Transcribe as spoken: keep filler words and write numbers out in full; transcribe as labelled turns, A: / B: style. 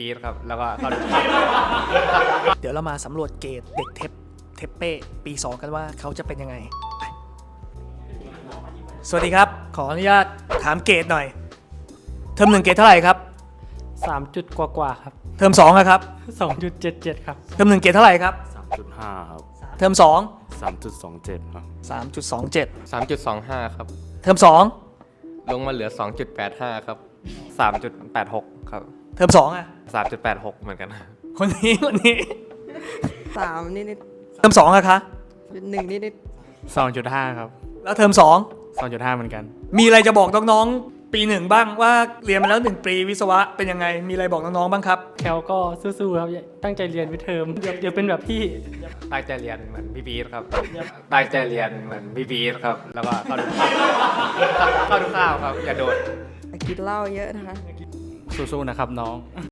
A: ปีดครับแล้วก็เข้า
B: เดี๋ยวเรามาสำรวจเกรดเด็กเทปเทปเป้ปีสองกันว่าเขาจะเป็นยังไงไปสวัสดีครับขออนุญาตถามเกรดหน่อยเทอมหนึ่งเกรดเท่าไหร่ครับ
C: สามจุดกว่ากว่าๆครับ
B: เทอมสองอะครับ
C: สองจุดเจ็ดเจ็ดครับ
B: เทอมหนึ่งเกรดเท่าไหร่ครับ
D: สามจุดห้าครับ
B: เทอมสอง
D: สามจุดสองเจ็ดครับ
B: สามจุดสองเจ็ด
E: สามจุดสองห้าครับ
B: เทอมสอง
E: ลงมาเหลือ สองจุดแปดห้า ครับ
A: สามจุดแปดหกครับ
B: เทอมสองอะ
A: สามจุดแปดหกเหมือนกัน
B: คนนี้คนนี้
F: สามนิดนิด
B: เทอมสองอะคะ
F: หนึ่งนิดนิด
C: สองจุดห้าครับ
B: แล้วเทอมสอง
C: สองจุดห้าเหมือนกัน
B: มีอะไรจะบอกน้องๆปีหนึ่งบ้างว่าเรียนมาแล้วหนึ่งปีวิศวะเป็นยังไงมีอะไรบอกน้องๆบ้างครับ
C: แคลก็สู้ๆครับ ตั้งใจเรียนวิเทอมเดี๋ยวเดี๋ยวเป็นแบบพี่
A: ตั้งใจเรียนเหมือนพี่ปีดครับตั้งใจเรียนเหมือนพี่ปีดครับแล้วก็เข้าดูเข้าดูข้าวครับอย่าโดด
F: กินเหล้าเยอะนะคะ
C: สู้ๆนะครับน้อง